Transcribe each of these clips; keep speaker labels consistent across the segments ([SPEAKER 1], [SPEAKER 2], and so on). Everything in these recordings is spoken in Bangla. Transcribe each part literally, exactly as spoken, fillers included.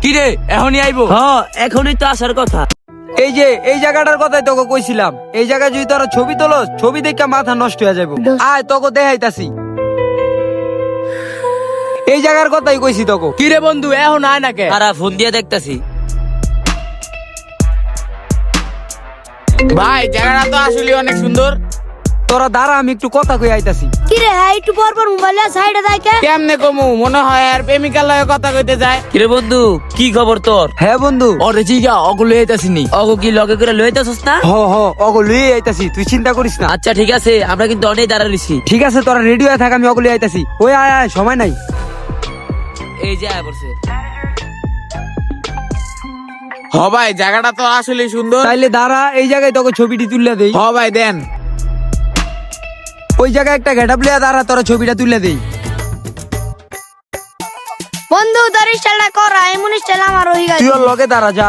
[SPEAKER 1] কি রে এখনই আইবো?
[SPEAKER 2] হ্যাঁ এখনই তো আসার কথা।
[SPEAKER 3] এই যে এই জায়গাটার কথাই তোকে কইছিলাম, এই জায়গায় যদি তোরা ছবি তোলস, ছবি দেখে মাথা নষ্ট হয়ে যাবে। আয় তোকে দেখাইতাছি, এই জায়গার কথাই কইছি তোকে।
[SPEAKER 1] কি রে বন্ধু এখন আয় না কে?
[SPEAKER 2] তারা ফোন দিয়ে দেখতাছি।
[SPEAKER 1] ভাই জায়গাটা তো আসলে অনেক সুন্দর।
[SPEAKER 3] তোরা দাঁড়া, আমি একটু কথা কই আইতাছি।
[SPEAKER 4] কি রে হ্যাঁ একটু পর পর মোবাইলে সাইডে থাকে।
[SPEAKER 1] কেমনে কমু, মনে হয় আর প্রেমিকার লগে কথা কইতে যায়।
[SPEAKER 2] কিরে বন্ধু কি খবর তোর?
[SPEAKER 3] হ্যাঁ বন্ধু,
[SPEAKER 1] ওরে জিগা ওগুলো এইতাছিনি।
[SPEAKER 2] অগো কি লগে করে লইতাছস না?
[SPEAKER 3] হ হ অগো লুই আইতাছি, তুই চিন্তা করিস না।
[SPEAKER 2] আচ্ছা ঠিক আছে, আমরা কিন্তু অনেক দাঁড়া রইছি।
[SPEAKER 3] ঠিক আছে তোরা রেডি হয়ে থাক, আমি অগলি আইতাছি। ওই আয় আয়, সময় নাই।
[SPEAKER 2] এই যে আয় পড়ছে।
[SPEAKER 1] হ ভাই জায়গাটা তো আসলে সুন্দর।
[SPEAKER 3] তাইলে দাঁড়া, এই জায়গায় তোকে ছবিটি তুলে দেই।
[SPEAKER 1] হ ভাই দেন।
[SPEAKER 3] ওই জায়গায় একটা গেটআপ লিয়া দাঁড়া, তোরা ছবিটা তুলে দেই।
[SPEAKER 4] বন্ধু তোর স্টাইলটা কর, এমন স্টাইল আমার হই গেছে।
[SPEAKER 3] তুই ওর লগে দাঁড়া, যা।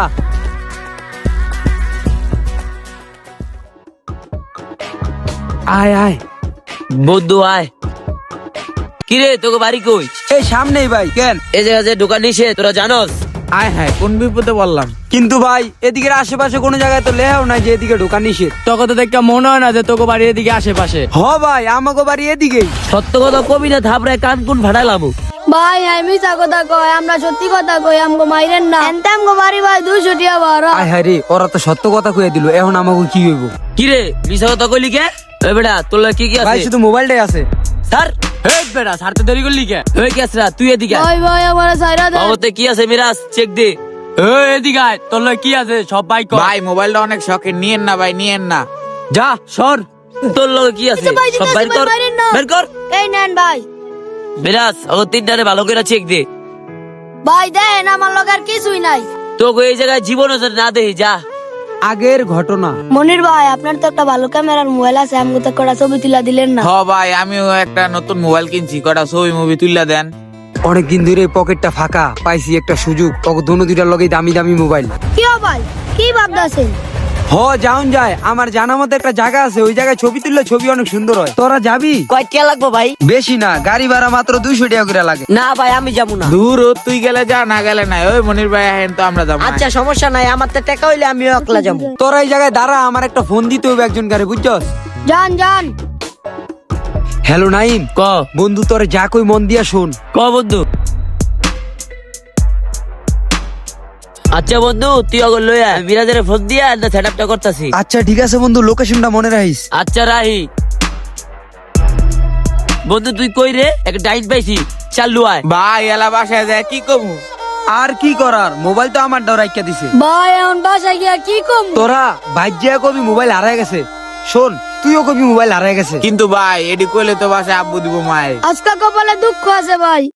[SPEAKER 3] আয় আয়
[SPEAKER 2] বন্ধু আয়। কিরে তোকে বাড়ি কই?
[SPEAKER 3] এই সামনেই ভাই। কেন?
[SPEAKER 2] এই জায়গা যে দোকান নিষেধ তোরা জানোস?
[SPEAKER 1] আয় হ্যাঁ কোন বিপদে বললাম।
[SPEAKER 3] কিন্তু ভাই এদিকের আশেপাশে কোনো জায়গায় তো লেহাও নাই যে এদিকে ঢোকা নিষেধ।
[SPEAKER 1] তোকে তো দেখে মনে হয় না যে তোকে বাড়ির এদিকে আশেপাশে।
[SPEAKER 3] হ ভাই, আমাকে বাড়ি এদিকেই।
[SPEAKER 2] সত্য কথা কবি না, থাপড়ায় কান কোন ফাটাইলাম।
[SPEAKER 4] ভাই আমি মিছা কথা কই, আমরা সত্যি কথা কই, আমগো মাইরেন না। এনতে আমগো বাড়ি ভাই দুইশো টিয়া ভাড়া।
[SPEAKER 3] আয় হায় রে, ওরা তো সত্য কথা কইয়া দিল, এখন আমাকে কি হইব?
[SPEAKER 2] কিরে মিছা কথা কইলি কে? এই বেটা তোর লগে কি কি
[SPEAKER 3] ভাই
[SPEAKER 2] আছে?
[SPEAKER 3] শুধু মোবাইলটাই আছে।
[SPEAKER 2] স্যার
[SPEAKER 1] এই বেটা ছাড়তে দেরি করলি কে?
[SPEAKER 2] হয়ে গেছে না, তুই এদিকে আয়।
[SPEAKER 4] ভাই ভাই আমার সাইরা দে।
[SPEAKER 2] বাবুতে কি আছে মিরাজ চেক দে।
[SPEAKER 1] এই এদিকে আয়, তোর লগে কি আছে সব ভাই কর।
[SPEAKER 5] ভাই মোবাইলটা অনেক শখের, নিয়েন না ভাই, নিয়েন না।
[SPEAKER 1] যা সর।
[SPEAKER 2] তোর লগে কি আছে
[SPEAKER 4] কিছু ভাই
[SPEAKER 2] সব
[SPEAKER 4] দিতেছে
[SPEAKER 2] বাইর
[SPEAKER 4] ভাই,
[SPEAKER 2] কর,
[SPEAKER 4] বাইরের না।
[SPEAKER 2] বের কর।
[SPEAKER 4] এই নেন ভাই।
[SPEAKER 2] মিরাজ ও তিনটারে ভালো করে চেক দে।
[SPEAKER 4] ভাই দেন আমার লগে আর কিছুই নাই।
[SPEAKER 2] তোকে এই জায়গায় জীবন না দেই যা।
[SPEAKER 3] আগের ঘটনা।
[SPEAKER 4] মনির ভাই আপনার তো একটা ভালো ক্যামেরার মোবাইল আছে, আমগো তো কটা ছবি তুলা দিলেন না।
[SPEAKER 5] হ ভাই আমিও একটা নতুন মোবাইল কিনছি, কটা ছবি মুভি তুললা দেন।
[SPEAKER 3] অনেকদিন ধরে পকেটটা ফাঁকা, পাইছি একটা সুযোগ, ওকে দোনো দুইটার লগে দামি দামি মোবাইল।
[SPEAKER 4] কি ও ভাই কি ভাবতাছেন?
[SPEAKER 3] হ যাউন যায়, আমার জানা মতো একটা জায়গা আছে, ওই জায়গায় ছবি তুললে ছবি অনেক সুন্দর হয়। তোরা যাবি?
[SPEAKER 2] কয় টাকা লাগবে ভাই?
[SPEAKER 3] বেশি না, গাড়ি ভাড়া মাত্র দুইশো টাকা করে লাগে।
[SPEAKER 2] না ভাই আমি যাবো না।
[SPEAKER 5] দূর ও, তুই গেলে যা, না গেলে নাই। ওই মনির ভাই আহেন তো আমরা যাবো।
[SPEAKER 2] আচ্ছা সমস্যা নাই, আমার তো টাকা হইলে আমিও একলা যাবো।
[SPEAKER 3] তোরা এই জায়গায় দাঁড়া, আমার একটা ফোন দিতে হবে একজন গাড়ি, বুঝছস?
[SPEAKER 4] যান যান।
[SPEAKER 3] হ্যালো নাইম।
[SPEAKER 2] ক
[SPEAKER 3] বন্ধু তোরে যা কই মন দিয়া শোন।
[SPEAKER 2] ক বন্ধু। আচ্ছা বন্ধু তুই অগর লইয়া মিরাজের ফোন দিয়া না সেটআপটা করতাছি।
[SPEAKER 3] আচ্ছা ঠিক আছে বন্ধু, লোকেশনটা মনে রাখিস।
[SPEAKER 2] আচ্ছা রাহি। বন্ধু তুই কই রে? একটা ডাইন পাইছি, চালু আয়।
[SPEAKER 5] ভাই এলা বাসায় যায় কি কমু?
[SPEAKER 3] আর কি করার, মোবাইল তো আমার ডর রাখিয়া দিছে।
[SPEAKER 4] ভাই এখন বাসায় গিয়া কি কম?
[SPEAKER 3] তোরা ভাজ্যা কবি মোবাইল হারায় গেছে। শোন তুইও কবি মোবাইল হারায় গেছে।
[SPEAKER 5] কিন্তু ভাই এডি কইলে তো বাসায় আব্বু দিব মায়।
[SPEAKER 4] আজকা কপালে দুঃখ আছে ভাই।